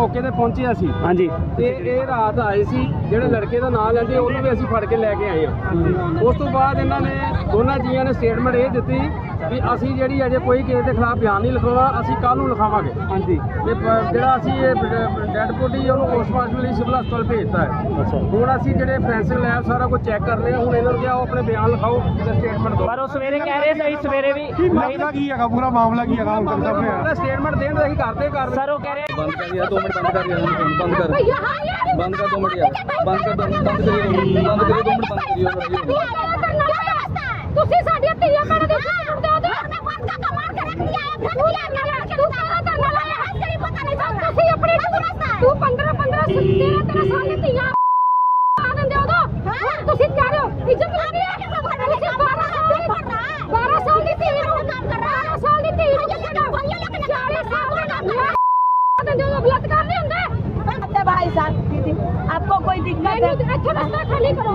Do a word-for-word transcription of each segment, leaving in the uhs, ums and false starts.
मौके ते पहुंचे असी। हाँ जी। ते ये रात आए सी ਜਿਹੜੇ ਲੜਕੇ ਦਾ ਨਾਮ ਲੈਂਦੇ ਉਹਨੂੰ ਵੀ ਅਸੀਂ ਫੜ ਕੇ ਲੈ ਕੇ ਆਏ ਹਾਂ। ਉਸ ਤੋਂ ਬਾਅਦ ਇਹਨਾਂ ਨੇ ਦੋਨਾਂ ਜੀਆਂ ਨੇ ਸਟੇਟਮੈਂਟ ਇਹ ਦਿੱਤੀ ਵੀ ਅਸੀਂ ਜਿਹੜੀ ਅਜੇ ਕੋਈ ਕਿਸੇ ਦੇ ਖਿਲਾਫ ਬਿਆਨ ਨਹੀਂ ਲਿਖਾਉਣਾ, ਅਸੀਂ ਕੱਲ੍ਹ ਨੂੰ ਲਿਖਾਵਾਂਗੇ। ਹਾਂਜੀ। ਤੇ ਪ- ਜਿਹੜਾ ਅਸੀਂ ਇਹ ਡੈਡ ਬੋਡੀ ਉਹਨੂੰ ਪੋਸਟਮਾਰਟਮ ਲਈ ਸਿਵਲ ਹਸਪਤਾਲ ਭੇਜਤਾ ਹੈ। ਅੱਛਾ। ਹੁਣ ਅਸੀਂ ਜਿਹੜੇ ਫੋਰੈਂਸਿਕ ਲੈਬ ਸਾਰਾ ਕੁਝ ਚੈੱਕ ਕਰ ਰਹੇ ਹਾਂ। ਹੁਣ ਇਹਨਾਂ ਨੂੰ ਕਿਹਾ ਉਹ ਆਪਣੇ ਬਿਆਨ ਲਿਖਾਓ ਤੇ ਸਟੇਟਮੈਂਟ ਦਿਓ। ਪਰ ਉਹ ਸਵੇਰੇ ਕਹਿ ਰਹੇ ਸੀ ਸਵੇਰੇ ਵੀ ਮਾਮਲਾ ਕੀ ਹੈਗਾ, ਪੂਰਾ ਮਾਮਲਾ ਕੀ ਹੈਗਾ ਹੁਣ ਤੱਕ ਸਾਹਮਣੇ ਆਇਆ? ਸਟੇਟਮੈਂਟ ਦੇਣ ਦਾ ਅਸੀਂ ਕਰਦੇ ਕਰ ਸਰ ਉਹ ਕਹਿ ਰਹੇ बंद कर यार, दो मिनट बंद कर यार, बंद कर बंद कर दो मिनट यार, बंद कर दो मिनट, बंद करिए बंद करिए दो मिनट बंद करिए। ਤੁਸੀਂ ਸਾਡੀਆਂ ਧੀਆਂ ਭੈਣਾਂ ਦੇ ਸਾਥ ਦਿਓ ਤੇ ਮੈਂ ਬੰਦ ਕਾ ਮਾਰ ਕੇ ਰੱਖ ਲਿਆ ਹੈ। ਤੂੰ ਲੈ ਕੇ ਲੈ ਕੇ ਤੂੰ ਸਾਰਾ ਧਰਨਾ ਲਾਇਆ ਹੈ, ਤੇਰੀ ਪਤਾ ਨਹੀਂ ਚੱਲਦਾ। ਤੁਸੀਂ ਆਪਣੀ ਤੂੰ ਪੰਦਰਾਂ ਪੰਦਰਾਂ ਤੇਰਾਂ ਤੇਰਾਂ ਸਾਲ ਦੀ ਧੀਆਂ ਆ ਦਿੰਦੇ ਹੋ ਤਾਂ ਤੁਸੀਂ ਕਹਿ ਰਹੇ ਹੋ ਇੱਜ਼ਤ ਨਹੀਂ ਹੈ। ਬਾਰਾਂ ਸਾਲ ਦੀ ਬਾਰਾਂ ਸਾਲ ਦੀ ਧੀ ਨੂੰ ਕੰਮ ਕਰ ਰਹਾ ਹੈ, ਸਾਲ ਦੀ ਧੀ ਨੂੰ ਚਾਲੀ ਸਾਲ ਦਾ ਕੰਮ ਹੈ। बलात्कार नहीं होंगे भाई साहब। दीदी आपको कोई दिक्कत है? अच्छा रास्ता खाली करो।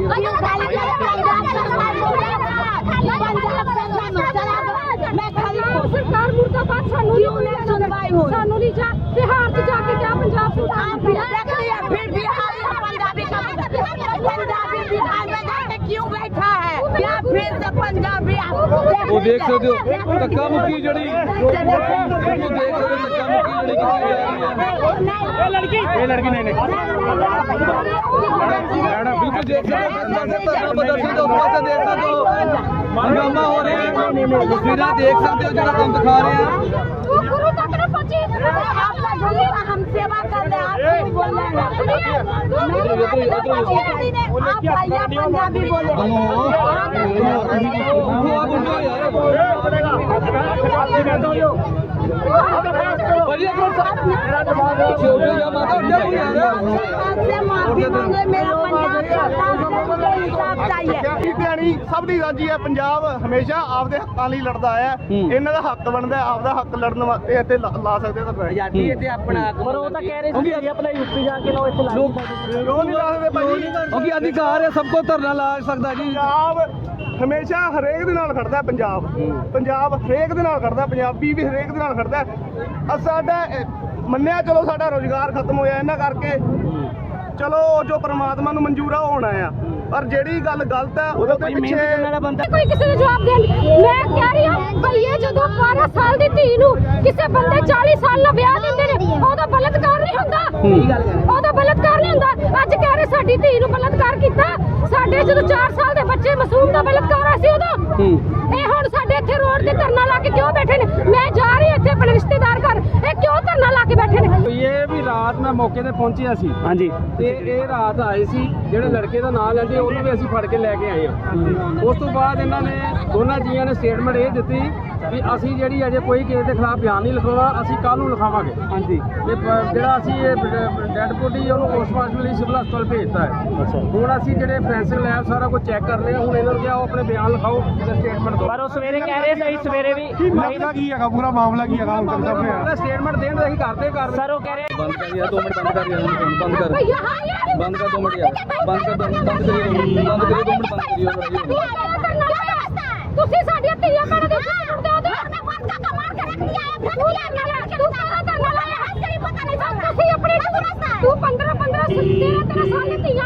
सरकार मुर्दाबाद सानू नहीं सुनवाई हो, सानू नहीं जा बिहार से जाके क्या पंजाब से फिर बिहार पंजाबी पंजाबी बिहार में जाके क्यों बैठा है? क्या फिर से पंजाबी वो देख सकते हो धक्का मुक्की जड़ी, वो देख सकते हो धक्का मुक्की जड़ी लड़की ये लड़की नहीं नहीं बिल्कुल देख सकते हो प्रदर्शन तो उसमें देख सकते हो हंगामा हो रहे हैं, तस्वीरें देख सकते हो जरा हम दिखा रहे हैं। गुरु तक न पहुंची, आप हम सेवा कर रहे हैं, आप बोल रहे हैं आप भैया पंजाबी बोले ਸਭ ਦੀ ਰਾਜੀ ਹੈ। ਪੰਜਾਬ ਹਮੇਸ਼ਾ ਆਪਦੇ ਹੱਕਾਂ ਲਈ ਲੜਦਾ ਆਇਆ। ਇਹਨਾਂ ਦਾ ਹੱਕ ਬਣਦਾ, ਆਪਦਾ ਹੱਕ ਲੜਨ ਵਾਸਤੇ ਇੱਥੇ ਲਾ ਲਾ ਸਕਦੇ ਤਾਂ ਆਜ਼ਾਦੀ ਇੱਥੇ ਆਪਣਾ ਪਰ ਉਹ ਤਾਂ ਕਹਿ ਰਹੇ ਸੀ ਜੀ ਆਪਣਾ ਯੂਪੀ ਜਾ ਕੇ ਲਓ ਇੱਥੇ ਲਾ ਕਿਉਂ ਨਹੀਂ ਲਾ ਸਕਦੇ ਭਾਈ? क्योंकि अधिकार है सबको धरना ला सकता जी। ਪੰਜਾਬ ਹਮੇਸ਼ਾ ਹਰੇਕ ਦੇ ਨਾਲ ਖੜਦਾ। ਪੰਜਾਬ ਪੰਜਾਬ ਹਰੇਕ ਦੇ ਨਾਲ ਖੜਦਾ, ਪੰਜਾਬੀ ਵੀ ਹਰੇਕ ਦੇ ਨਾਲ ਖੜਦਾ। ਅ ਸਾਡਾ ਅ, ਮੰਨਿਆ ਚਲੋ ਸਾਡਾ ਰੋਜ਼ਗਾਰ ਖਤਮ ਹੋਇਆ ਇਹਨਾਂ ਕਰਕੇ, ਚਲੋ ਜੋ ਪ੍ਰਮਾਤਮਾ ਨੂੰ ਮਨਜ਼ੂਰ ਆ ਉਹ ਹੋਣਾ ਆ, ਪਰ ਜਿਹੜੀ ਗੱਲ ਗਲਤ ਹੈ ਉਹਦੇ ਪਿੱਛੇ कोई किसी ने जवाब दे। मैं कह रही हूं भैया जो बारह साल की धी नूं किसी बंदे चालीस साल दा ब्याह दिंदे ने ओदा बलात्कार नहीं हुंदा, ओदा बलात्कार नहीं हुंदा। अज कह रहे साडी धी नूं बलात्कार कीता, साडे जदों चार साल दे बच्चे मासूम दा बलात्कार होया सी उदों ਇਹ ਹੁਣ ਸਾਡੇ ਇੱਥੇ ਰੋਡ ਤੇ ਧਰਨਾ ਲਾ ਕੇ ਕਿਉਂ ਬੈਠੇ ਨੇ? ਮੈਂ ਜਾ ਰਹੀ ਇੱਥੇ ਆਪਣੇ ਰਿਸ਼ਤੇਦਾਰ ਘਰ, ਇਹ ਕਿਉਂ ਧਰਨਾ ਲਾ ਕੇ ਬੈਠੇ ਨੇ? ਇਹ ਵੀ ਰਾਤ ਮੈਂ ਮੌਕੇ ਤੇ ਪਹੁੰਚਿਆ ਸੀ। हाँ जी। ਤੇ ਇਹ ਰਾਤ ਆਏ ਸੀ ਜਿਹੜੇ ਲੜਕੇ ਦਾ ਨਾਮ ਲੈਂਦੇ ਉਹਨੂੰ ਵੀ ਅਸੀਂ ਫੜ ਕੇ ਲੈ ਕੇ ਆਏ ਹਾਂ। ਉਸ ਤੋਂ ਬਾਅਦ ਇਹਨਾਂ ਨੇ ਦੋਨਾਂ ਜੀਆਂ ਨੇ ਸਟੇਟਮੈਂਟ ਇਹ ਦਿੱਤੀ ਵੀ ਅਸੀਂ ਜਿਹੜੀ ਅਜੇ ਕੋਈ ਕਿਸੇ ਦੇ ਖਿਲਾਫ ਬਿਆਨ ਨਹੀਂ ਲਿਖਾਉਣਾ, ਅਸੀਂ ਕੱਲ੍ਹ ਨੂੰ ਲਿਖਾਵਾਂਗੇ। ਹਾਂਜੀ। ਤੇ ਪ- ਜਿਹੜਾ ਅਸੀਂ ਇਹ ਡੈਡ ਬੋਡੀ ਉਹਨੂੰ ਪੋਸਟਮਾਰਟਮ ਲਈ ਸਿਵਲ ਹਸਪਤਾਲ ਭੇਜਤਾ ਹੈ। ਅੱਛਾ। ਹੁਣ ਅਸੀਂ ਜਿਹੜੇ ਫੋਰੈਂਸਿਕ ਲੈਬ ਸਾਰਾ ਕੁਝ ਚੈੱਕ ਕਰ ਰਹੇ ਹਾਂ। ਹੁਣ ਇਹਨਾਂ ਨੂੰ ਕਿਹਾ ਉਹ ਆਪਣੇ ਬਿਆਨ ਲਿਖਾਓ ਤੇ ਸਟੇਟਮੈਂਟ ਦਿਓ। ਪਰ ਉਹ ਸਵੇਰੇ ਕਹਿ ਰਹੇ ਸੀ ਸਵੇਰੇ ਵੀ ਮਾਮਲਾ ਕੀ ਹੈਗਾ, ਪੂਰਾ ਮਾਮਲਾ ਕੀ ਹੈਗਾ ਹੁਣ ਤੱਕ ਸਾਹਮਣੇ ਆਇਆ? ਸਟੇਟਮੈਂਟ ਦੇਣ ਦਾ ਅਸੀਂ ਕਰਦੇ ਕਰ ਸਰ ਉਹ ਕਹਿ ਰਹੇ बंद कर यार, दो मिनट बंद कर यार, बंद कर भैया हाँ यार बंद कर दो मिनट यार, बंद कर दो बंद करिए बंद करिए दो मिनट बंद करिए। ਤੁਸੀਂ ਸਾਡੀਆਂ ਧੀਆਂ ਭੈਣਾਂ ਦੇ ਸਾਥ ਦਿਓ ਤੇ ਮੈਂ ਬੰਦ ਕਾ ਮਾਰ ਕੇ ਰੱਖ ਲਿਆ ਹੈ। ਤੂੰ ਲੈ ਕੇ ਲੈ ਕੇ ਤੂੰ ਸਾਰਾ ਧਰਨਾ ਲਾਇਆ ਹੈ, ਤੇਰੀ ਪਤਾ ਨਹੀਂ ਚੱਲਦਾ। ਤੁਸੀਂ ਆਪਣੀ ਤੂੰ ਪੰਦਰਾਂ ਪੰਦਰਾਂ ਤੇਰਾਂ ਤੇਰਾਂ ਸਾਲ ਦੀ ਧੀਆਂ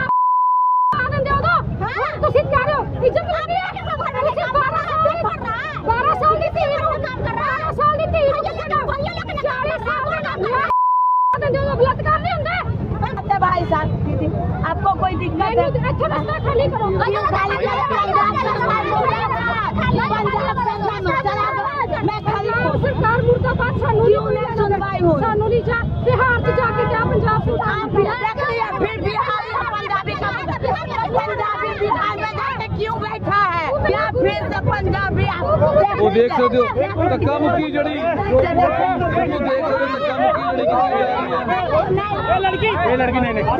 ਆ ਦਿੰਦੇ ਹੋ ਤਾਂ ਤੁਸੀਂ ਕਹਿ ਰਹੇ ਹੋ ਇੱਜ਼ਤ ਨਹੀਂ ਹੈ। ਤੁਸੀਂ ਬਾਰਾਂ ਸਾਲ ਦੀ ਬਾਰਾਂ ਸਾਲ ਦੀ ਧੀ ਨੂੰ ਕੰਮ ਕਰ ਰਹਾ ਹੈ, ਸਾਲ ਦੀ ਧੀ ਨੂੰ ਚਾਲੀ ਸਾਲ ਦਾ ਕੰਮ ਹੈ। बलात्कार नहीं होंगे भाई साहब। दीदी आपको कोई दिक्कत है? अच्छा रास्ता खाली करो। सरकार मुर्दाबाद सानू नहीं सुनवाई हो, सानू नहीं जा बिहार से जाके क्या पंजाब से फिर बिहार पंजाबी पंजाबी बिहार में जाके क्यों बैठा है? क्या फिर से पंजाबी वो देख सकते हो धक्का मुक्की जड़ी, वो देख सकते हो धक्का मुक्की जड़ी लड़की ये लड़की नहीं नहीं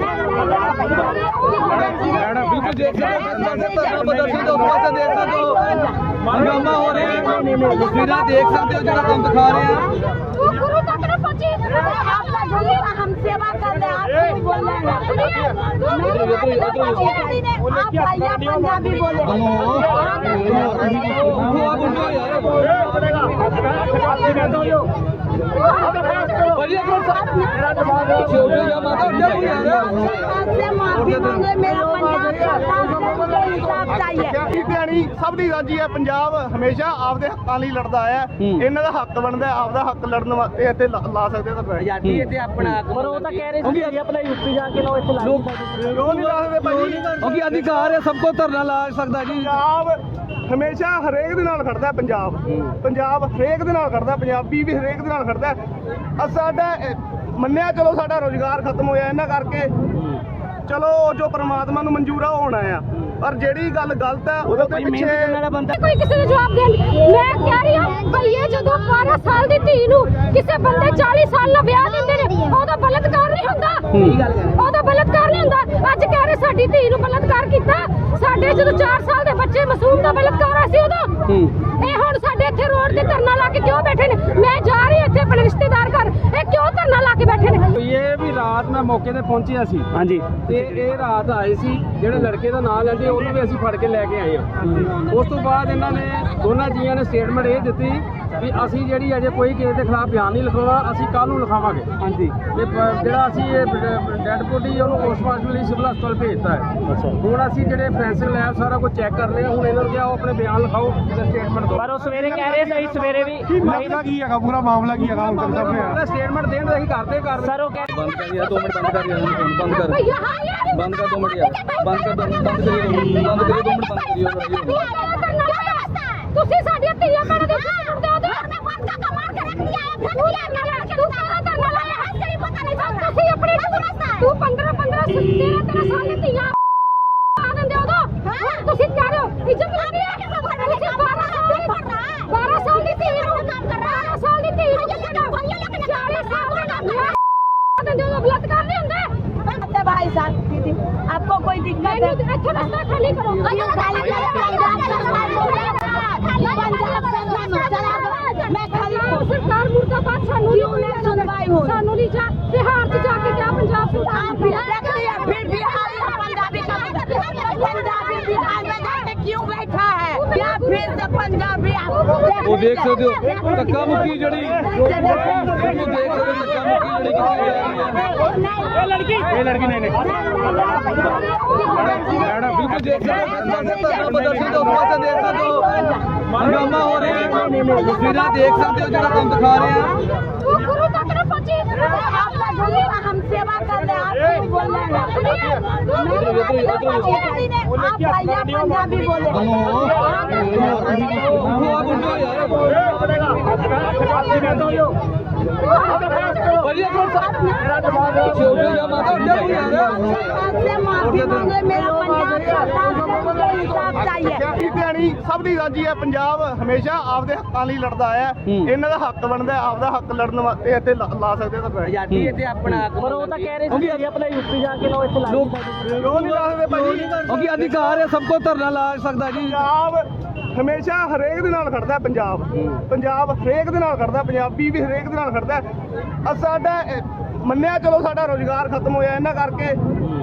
बिल्कुल देख सकते हो प्रदर्शन तो उसमें देख सकते हो हंगामा हो रहे हैं, तस्वीरें देख सकते हो जरा हम दिखा रहे हैं। गुरु तक न पहुंची, आप हम सेवा कर रहे हैं, आप बोल रहे हैं आप भैया पंजाबी बोले वो आप उनको यार ਭਾਜੀ ਇੱਕ ਮਿੰਟ ਮੇਰਾ ਦਿਮਾਗ ਛੋਟੇ ਜਿਹਾ ਮਾਤਾ ਉੱਠ ਜਾ ਤੂੰ ਯਾਰ आपसे माफी मांगे मेरा पंजाब सरकार से मुझे इंसाफ चाहिए ਧਿਆਣੀ ਸਭ ਦੀ ਰਾਜੀ ਹੈ। ਪੰਜਾਬ ਹਮੇਸ਼ਾ ਆਪਦੇ ਹੱਕਾਂ ਲਈ ਲੜਦਾ ਆਇਆ। ਇਹਨਾਂ ਦਾ ਹੱਕ ਬਣਦਾ ਹੈ, ਆਪਦਾ ਹੱਕ ਲੜਨ ਵਾਸਤੇ ਇੱਥੇ ਲਾ ਲਾ ਸਕਦੇ ਤਾਂ ਆਜ਼ਾਦੀ ਇੱਥੇ ਆਪਣਾ ਪਰ ਉਹ ਤਾਂ ਕਹਿ ਰਹੇ ਸੀ ਜੀ ਆਪਣਾ ਯੂਪੀ ਜਾ ਕੇ ਲਓ ਇੱਥੇ ਲਾ ਲੋਕ ਕਿਉਂ ਨਹੀਂ ਲਾ ਸਕਦੇ ਭਾਜੀ? ਕਿਉਂਕਿ ਅਧਿਕਾਰ ਹੈ ਸਭ ਕੋ ਧਰਨਾ ਲਾ ਸਕਦਾ ਜੀ ਪੰਜਾਬ ਹਮੇਸ਼ਾ ਹਰੇਕ ਦੇ ਨਾਲ ਖੜਦਾ ਹੈ। ਪੰਜਾਬ ਪੰਜਾਬ ਹਰੇਕ ਦੇ ਨਾਲ ਖੜਦਾ, ਪੰਜਾਬੀ ਵੀ ਹਰੇਕ ਦੇ ਨਾਲ ਖੜਦਾ। ਅ ਸਾਡਾ ਅ, ਮੰਨਿਆ ਚਲੋ ਸਾਡਾ ਰੋਜ਼ਗਾਰ ਖਤਮ ਹੋਇਆ ਇਹਨਾਂ ਕਰਕੇ, ਚਲੋ ਜੋ ਪ੍ਰਮਾਤਮਾ ਨੂੰ ਮਨਜ਼ੂਰ ਆ ਉਹ ਹੋਣਾ ਆ, ਪਰ ਜਿਹੜੀ ਗੱਲ ਗਲਤ ਹੈ ਉਹਦੇ ਤੇ ਪਿੱਛੇ ਕੋਈ ਕਿਸੇ ਨੂੰ ਜਵਾਬ ਦੇਣ ਮੈਂ ਕਹਿ ਰਹੀ ਹਾਂ ਭਈ ਇਹ ਜਦੋਂ ਬਾਰਾਂ ਸਾਲ ਦੀ ਧੀ ਨੂੰ ਕਿਸੇ ਬੰਦੇ ਚਾਲੀ ਸਾਲ ਦਾ ਵਿਆਹ ਦਿੰਦੇ ਨੇ ਉਹਦਾ ਬਲਤਕਾਰ ਨਹੀਂ ਹੁੰਦਾ। ਉਹਦਾ ਬਲਤਕਾਰ ਨਹੀਂ ਹੁੰਦਾ। ਅੱਜ ਕਹਿ ਰਹੇ ਸਾਡੀ ਧੀ ਨੂੰ ਬਲਤਕਾਰ ਕੀਤਾ। ਸਾਡੇ ਜਦੋਂ ਚਾਰ ਸਾਲ ਦੇ ਬੱਚੇ ਮਾਸੂਮ ਦਾ ਬਲਤਕਾਰ ਹੋਇਆ ਸੀ ਉਦੋਂ ਇਹ ਹੁਣ ਸਾਡੇ ਇੱਥੇ ਰੋਡ ਤੇ ਧਰਨਾ ਲਾ ਕੇ ਕਿਉਂ ਬੈਠੇ ਨੇ? ਮੈਂ ਜਾ ਰਹੀ ਇੱਥੇ ਆਪਣੇ ਰਿਸ਼ਤੇਦਾਰ ਘਰ, ਇਹ ਕਿਉਂ ਧਰਨਾ ਲਾ ਕੇ ਬੈਠੇ ਨੇ? ਇਹ ਵੀ ਰਾਤ ਮੈਂ ਮੌਕੇ ਤੇ ਪਹੁੰਚਿਆ ਸੀ ਹਾਂਜੀ ਤੇ ਇਹ ਰਾਤ ਆਏ ਸੀ ਜਿਹੜੇ ਲੜਕੇ ਦਾ ਨਾਂ ਲੈਂਦੇ ਉਹਨੂੰ ਵੀ ਅਸੀਂ ਫੜ ਕੇ ਲੈ ਕੇ ਆਏ ਹਾਂ। ਉਸ ਤੋਂ ਬਾਅਦ ਇਹਨਾਂ ਨੇ ਦੋਨਾਂ ਜੀਆਂ ਨੇ ਸਟੇਟਮੈਂਟ ਇਹ ਦਿੱਤੀ ਵੀ ਅਸੀਂ ਜਿਹੜੀ ਅਜੇ ਕੋਈ ਕਿਸੇ ਦੇ ਖਿਲਾਫ ਬਿਆਨ ਨਹੀਂ ਲਿਖਾਉਣਾ, ਅਸੀਂ ਕੱਲ ਨੂੰ ਲਿਖਾਵਾਂਗੇ। ਹਾਂਜੀ ਤੇ ਪ- ਜਿਹੜਾ ਅਸੀਂ ਇਹ ਡੈਡ ਬੋਡੀ ਉਹਨੂੰ ਪੋਸਟਮਾਰਟਮ ਲਈ ਸਿਵਲ ਹਸਪਤਾਲ ਭੇਜਤਾ ਹੈ। ਅੱਛਾ ਹੁਣ ਅਸੀਂ ਜਿਹੜੇ ਫੈਂਸਿੰਗ ਲੈਬ ਸਾਰਾ ਕੁਝ ਚੈੱਕ ਕਰ ਰਹੇ ਹਾਂ। ਹੁਣ ਇਹਨਾਂ ਨੂੰ ਕਿਹਾ ਉਹ ਆਪਣੇ ਬਿਆਨ ਲਿਖਾਓ ਤੇ ਸਟੇਟਮੈਂਟ ਦਿਓ। ਪਰ ਉਹ ਸਵੇਰੇ ਕਹਿ ਰਹੇ ਸੀ ਸਵੇਰੇ ਵੀ ਮਾਮਲਾ ਕੀ ਹੈਗਾ, ਪੂਰਾ ਮਾਮਲਾ ਕੀ ਹੈਗਾ ਹੁਣ ਤੱਕ ਸਾਹਮਣੇ ਸਟੇਟਮੈਂਟ ਦੇਣ ਦਾ ਅਸੀਂ ਕਰਦੇ ਕਰ ਸਰ ਉਹ ਕਹਿ ਬੰਦ ਕਰ ਯਾਰ ਦੋ ਮਿੰਟ ਬੰਦ ਕਰ ਯਾਰ ਬੰਦ ਕਰ ਭਈਆ ਹਾਂ ਯਾਰ ਬੰਦ ਕਰ ਦੋ ਮਿੰਟ ਯਾਰ ਬੰਦ ਕਰ ਦੋ ਮਿੰਟ ਬੰਦ ਕਰੀਏ ਬੰਦ ਕਰੀਏ ਦੋ ਮਿੰਟ ਬੰਦ ਕਰੀਏ ਤੁਸੀਂ ਸਾਡੀਆਂ ਧੀਆਂ ਭੈਣਾਂ ਦੇ ਉੱਤੇ ਸੁਣਦੇ ਹੋ ਤੇ ਬੰਦ ਕਾ ਮਾਰ ਕੇ ਰੱਖ ਲਿਆ ਹੈ। ਤੂੰ ਲੈ ਲੈ ਤੂੰ ਸਾਰਾ ਧਰਨਾ ਲਾਇਆ ਹੈ, ਤੇਰੀ ਪਤਾ ਨਹੀਂ ਚੱਲਦਾ। ਤੁਸੀਂ ਆਪਣੀ ਤੂੰ ਪੰਦਰਾਂ ਪੰਦਰਾਂ ਤੇਰਾਂ ਤੇਰਾਂ ਸਾਲ ਦੀ ਧੀਆਂ ਆ ਦਿੰਦੇ ਹੋ ਤਾਂ ਤੁਸੀਂ ਕਹਿ ਰਹੇ ਹੋ ਇੱਜ਼ਤ ਲੱਗ ਰਹੀ ਹੈ। ਤੁਸੀਂ ਬਾਰਾਂ ਸਾਲ ਦੀ ਬਾਰਾਂ ਸਾਲ ਦੀ ਧੀ ਨੂੰ ਕੰਮ ਕਰ ਰਹਾ ਬਾਰਾਂ ਸਾਲ ਦੀ ਧੀ ਨੂੰ ਚਾਲੀ ਸਾਲ ਦਾ ਕੰਮ ਆ ਦਿੰਦੇ ਹੋ, ਬਲਾਤਕਾਰ ਨਹੀਂ ਹੁੰਦਾ। भाई साहब दीदी आपको कोई दिक्कत है? ਇੱਥੇ ਰਸਤਾ ਖਾਲੀ ਕਰੋ। मैं खाली ਸਰਕਾਰ ਮੁਰਦਾਬਾਦ ਸਾਨੂੰ क्यों नहीं सुनवाई हो? ਸਾਨੂੰ ਨਹੀਂ ਜਾ ਬਿਹਾਰ ਚ ਜਾ ਕੇ ਕਿਹਾ ਪੰਜਾਬ आप भी देख लिया, फिर बिहार में पंजाबी का पंजाबी बिहार में जाके क्यों बैठा है? क्या फिर से पंजाबी ਉਹ ਦੇਖ ਸਕਦੇ ਹੋ ਧੱਕਾ ਮੁੱਕੀ ਜਿਹੜੀ ਉਹ ਦੇਖ ਸਕਦੇ ਹੋ ਧੱਕਾ ਮੁੱਕੀ ਜਿਹੜੀ ये लड़की ਇਹ ਲੜਕੀ ਨਹੀਂ ਨਹੀਂ ਬਿਲਕੁਲ ਦੇਖ ਸਕਦੇ ਹੋ ਧਰਨਾ ਪ੍ਰਦਰਸ਼ਨ ਦੇ ਉਸ ਪਾਸੇ ਦੇਖ ਸਕਦੇ ਹੋ ਹੰਗਾਮਾ ਹੋ ਰਿਹਾ ਹੈ ਤਸਵੀਰਾਂ ਦੇਖ ਸਕਦੇ ਹੋ ਜਿਹੜਾ ਤੁਹਾਨੂੰ ਦਿਖਾ ਰਹੇ ਆ ਤੂੰ ਗੁਰੂ ਤੱਕ ਨਾ ਪਹੁੰਚੀ। आपका बोलिए हम सेवा कर रहे हैं, आप क्यों बोल रहे हैं? आप भैया पंजाबी बोले ਭਾਜੀ ਇੱਕ ਮਿੰਟ ਮੇਰਾ ਦਿਮਾਗ ਛੋਟੇ ਜਿਹਾ ਮਾਤਾ ਉੱਠ ਜਾ ਤੂੰ ਯਾਰ आपसे माफी मांगे मेरा पंजाब सरकार से मुझे इंसाफ चाहिए ਧਿਆਣੀ ਸਭ ਦੀ ਰਾਜੀ ਹੈ। ਪੰਜਾਬ ਹਮੇਸ਼ਾ ਆਪਦੇ ਹੱਕਾਂ ਲਈ ਲੜਦਾ ਆਇਆ। ਇਹਨਾਂ ਦਾ ਹੱਕ ਬਣਦਾ ਹੈ, ਆਪਦਾ ਹੱਕ ਲੜਨ ਵਾਸਤੇ ਇੱਥੇ ਲਾ ਲਾ ਸਕਦੇ ਤਾਂ ਆਜ਼ਾਦੀ ਇੱਥੇ ਆਪਣਾ ਪਰ ਉਹ ਤਾਂ ਕਹਿ ਰਹੇ ਸੀ ਜੀ ਆਪਣਾ ਯੂਪੀ ਜਾ ਕੇ ਲਓ ਇੱਥੇ ਲਾ ਲੋਕ ਕਿਉਂ ਨਹੀਂ ਲਾ ਸਕਦੇ ਭਾਜੀ? ਕਿਉਂਕਿ ਅਧਿਕਾਰ ਹੈ ਸਭ ਕੋ ਧਰਨਾ ਲਾ ਸਕਦਾ ਜੀ ਪੰਜਾਬ ਹਮੇਸ਼ਾ ਹਰੇਕ ਦੇ ਨਾਲ ਖੜਦਾ ਹੈ। ਪੰਜਾਬ ਪੰਜਾਬ ਹਰੇਕ ਦੇ ਨਾਲ ਖੜਦਾ, ਪੰਜਾਬੀ ਵੀ ਹਰੇਕ ਦੇ ਨਾਲ ਖੜਦਾ। ਅ ਸਾਡਾ ਅ, ਮੰਨਿਆ ਚਲੋ ਸਾਡਾ ਰੋਜ਼ਗਾਰ ਖਤਮ ਹੋਇਆ ਇਹਨਾਂ ਕਰਕੇ,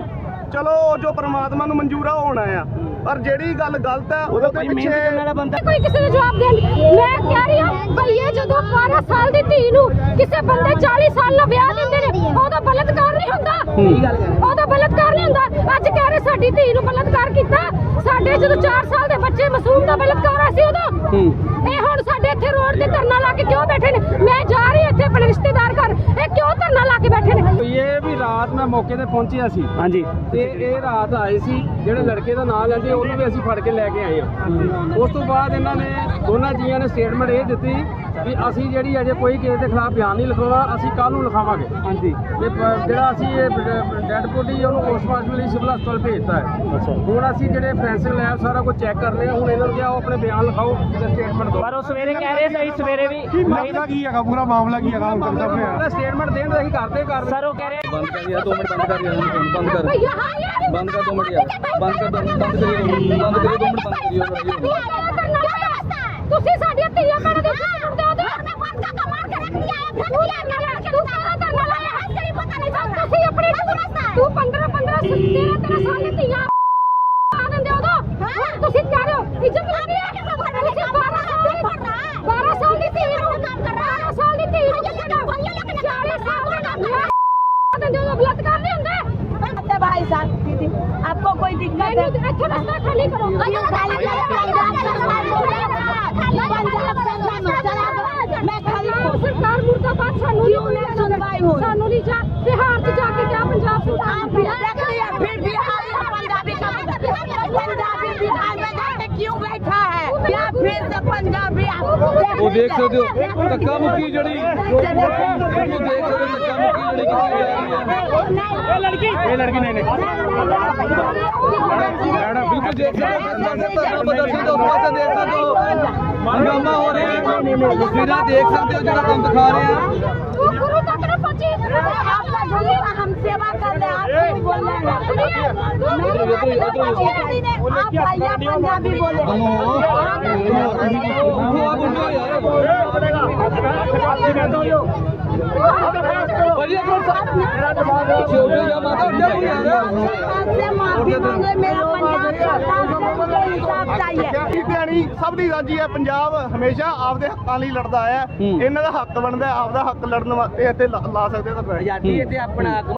ਚਲੋ ਜੋ ਪ੍ਰਮਾਤਮਾ ਨੂੰ ਮਨਜ਼ੂਰ ਆ ਉਹ ਹੋਣਾ ਆ, ਪਰ ਜਿਹੜੀ ਗੱਲ ਗਲਤ ਹੈ ਉਹਦੇ ਤੇ ਪਿੱਛੇ ਕੋਈ ਕਿਸੇ ਨੂੰ ਜਵਾਬ ਦੇਣ ਮੈਂ ਕਹਿ ਰਹੀ ਹਾਂ ਭਈ ਇਹ ਜਦੋਂ ਬਾਰਾਂ ਸਾਲ ਦੀ ਧੀ ਨੂੰ ਕਿਸੇ ਬੰਦੇ ਚਾਲੀ ਸਾਲ ਦਾ ਵਿਆਹ ਦਿੰਦੇ ਨੇ ਉਹਦਾ ਬਲਤਕਾਰ ਨਹੀਂ ਹੁੰਦਾ। ਉਹਦਾ ਬਲਤਕਾਰ ਨਹੀਂ ਹੁੰਦਾ। ਅੱਜ ਕਹਿ ਰਹੇ ਸਾਡੀ ਧੀ ਨੂੰ ਬਲਤਕਾਰ ਕੀਤਾ। ਸਾਡੇ ਜਦੋਂ ਚਾਰ ਸਾਲ ਦੇ ਬੱਚੇ ਮਾਸੂਮ ਦਾ ਬਲਤਕਾਰ ਹੋਇਆ ਸੀ ਉਦੋਂ ਇਹ ਹੁਣ ਸਾਡੇ ਇੱਥੇ ਰੋਡ ਤੇ ਧਰਨਾ ਲਾ ਕੇ ਕਿਉਂ ਬੈਠੇ ਨੇ? ਮੈਂ ਜਾ ਰਹੀ ਇੱਥੇ ਆਪਣੇ ਰਿਸ਼ਤੇਦਾਰ ਘਰ, ਇਹ ਕਿਉਂ ਧਰਨਾ ਲਾ ਕੇ ਬੈਠੇ ਨੇ? ਇਹ ਵੀ ਰਾਤ ਮੈਂ ਮੌਕੇ ਤੇ ਪਹੁੰਚਿਆ ਸੀ ਹਾਂਜੀ ਤੇ ਇਹ ਰਾਤ ਆਏ ਸੀ ਜਿਹੜੇ ਲੜਕੇ ਦਾ ਨਾਂ ਲੈਂਦੇ ਉਹਨੂੰ ਵੀ ਅਸੀਂ ਫੜ ਕੇ ਲੈ ਕੇ ਆਏ ਹਾਂ। ਉਸ ਤੋਂ ਬਾਅਦ ਇਹਨਾਂ ਨੇ ਦੋਨਾਂ ਜੀਆਂ ਨੇ ਸਟੇਟਮੈਂਟ ਇਹ ਦਿੱਤੀ ਵੀ ਅਸੀਂ ਜਿਹੜੀ ਅਜੇ ਕੋਈ ਕਿਸੇ ਦੇ ਖਿਲਾਫ ਬਿਆਨ ਨਹੀਂ ਲਿਖਾਉਣਾ, ਅਸੀਂ ਕੱਲ ਨੂੰ ਲਿਖਾਵਾਂਗੇ। ਹਾਂਜੀ ਤੇ ਪ- ਜਿਹੜਾ ਅਸੀਂ ਇਹ ਡੈਡ ਬੋਡੀ ਉਹਨੂੰ ਪੋਸਟਮਾਰਟਮ ਲਈ ਸਿਵਲ ਹਸਪਤਾਲ ਭੇਜਤਾ ਹੈ। ਅੱਛਾ ਹੁਣ ਅਸੀਂ ਜਿਹੜੇ ਫੈਂਸਿੰਗ ਲੈਬ ਸਾਰਾ ਕੁਝ ਚੈੱਕ ਕਰ ਰਹੇ ਹਾਂ। ਹੁਣ ਇਹਨਾਂ ਨੂੰ ਕਿਹਾ ਉਹ ਆਪਣੇ ਬਿਆਨ ਲਿਖਾਓ ਤੇ ਸਟੇਟਮੈਂਟ ਦਿਓ। ਪਰ ਉਹ ਸਵੇਰੇ ਕਹਿ ਰਹੇ ਸੀ ਸਵੇਰੇ ਵੀ ਮਾਮਲਾ ਕੀ ਹੈਗਾ, ਪੂਰਾ ਮਾਮਲਾ ਕੀ ਹੈਗਾ ਹੁਣ ਤੱਕ ਸਾਹਮਣੇ ਸਟੇਟਮੈਂਟ ਦੇਣ ਦਾ ਅਸੀਂ ਕਰਦੇ ਕਰ ਸਰ ਉਹ ਕਹਿ ਰਹੇ ਬੰਦ ਕਰ ਯਾਰ ਦੋ ਮਿੰਟ ਬੰਦ ਕਰ ਯਾਰ ਬੰਦ ਕਰ ਭਈਆ ਹਾਂ ਯਾਰ ਬੰਦ ਕਰ ਦੋ ਮਿੰਟ ਯਾਰ ਬੰਦ ਕਰ ਦੋ ਬੰਦ ਕਰੀਏ ਬੰਦ ਕਰੀਏ ਦੋ ਮਿੰਟ ਬੰਦ ਕਰੀਏ ਤੁਸੀਂ ਸਾਡੀਆਂ ਧੀਆਂ ਭੈਣਾਂ ਦੇ ਉੱਤੇ ਸੁਣਦੇ ਹੋ ਤੇ ਬੰਦ ਕਾ ਮਾਰ ਕੇ ਰੱਖ ਲਿਆ ਹੈ। ਤੂੰ ਲੈ ਲੈ ਤੂੰ ਸਾਰਾ ਧਰਨਾ ਲਾਇਆ ਹੈ, ਤੇਰੀ ਪਤਾ ਨਹੀਂ ਚੱਲਦਾ। ਤੁਸੀਂ ਆਪਣੀ ਤੂੰ ਪੰਦਰਾਂ ਪੰਦਰਾਂ ਤੇਰਾਂ ਤੇਰਾਂ ਸਾਲ ਦੀ ਧੀਆਂ ਆ ਦਿੰਦੇ ਹੋ ਤਾਂ ਤੁਸੀਂ ਕਹਿ ਰਹੇ ਹੋ ਇੱਜ਼ਤ ਲੱਗ ਰਹੀ ਹੈ। ਤੁਸੀਂ ਬਾਰਾਂ ਸਾਲ ਦੀ ਬਾਰਾਂ ਸਾਲ ਦੀ ਧੀ ਨੂੰ ਕੰਮ ਕਰ ਰਹਾ ਬਾਰਾਂ ਸਾਲ ਦੀ ਧੀ ਨੂੰ ਚਾਲੀ ਸਾਲ आपको कोई दिक्कत है? अच्छा रास्ता खाली करो क्यों खाली करो? पंजाब सरकार बोले ना, पंजाब सरकार चला दो। मैं खाली सरकार मुर्दाबाद सानू क्यों नहीं सुनवाई हुई? सानू नहीं जा बिहार से जाके क्या पंजाब से आप देख लिया, फिर बिहार में पंजाबी का पंजाबी बिहार में जाके क्यों बैठा है? क्या फिर से पंजाबी ਉਹ ਦੇਖ ਸਕਦੇ ਹੋ ਧੱਕਾ ਮੁੱਕੀ ਜਿਹੜੀ ਉਹ ਦੇਖ ਸਕਦੇ ਹੋ ਧੱਕਾ ਮੁੱਕੀ ਜਿਹੜੀ ਕੀਤੀ ਜਾ ਰਹੀ ਹੈ ਇਹ ਲੜਕੀ ਇਹ ਲੜਕੀ ਨਹੀਂ ਨਹੀਂ ਮੈਡਮ ਬਿਲਕੁਲ ਦੇਖ ਸਕਦੇ ਹੋ ਧਰਨਾ ਪ੍ਰਦਰਸ਼ਨ ਦੇ ਉਸ ਪਾਸੇ ਦੇਖ ਸਕਦੇ ਹੋ ਹੰਗਾਮਾ ਹੋ ਰਿਹਾ ਹੈ ਤਸਵੀਰਾਂ ਦੇਖ ਸਕਦੇ ਹੋ ਜਿਹੜਾ ਤੁਹਾਨੂੰ ਦਿਖਾ ਰਹੇ ਆ तू गुरु तक न पहुंची आप लोग हम सेवा कर रहे हैं, आप क्यों बोल रहे हैं? आप भैया पंजाबी बोले। आपसे माफी मांगे, मेरा पंजाब सरकार से मुझे इंसाफ चाहिए। ਇਹ ਦਿਹਾੜੀ ਸਭ ਦੀ ਸਾਂਝੀ ਹੈ। ਪੰਜਾਬ ਹਮੇਸ਼ਾ ਆਪਦੇ ਹੱਕਾਂ ਲਈ ਲੜਦਾ ਆਇਆ। ਇਹਨਾਂ ਦਾ ਹੱਕ ਬਣਦਾ, ਆਪਦਾ ਹੱਕ ਲੜਨ ਵਾਸਤੇ ਇੱਥੇ ਲਾ ਲਾ ਸਕਦੇ ਤਾਂ ਆਜ਼ਾਦੀ ਤੇ ਆਪਣਾ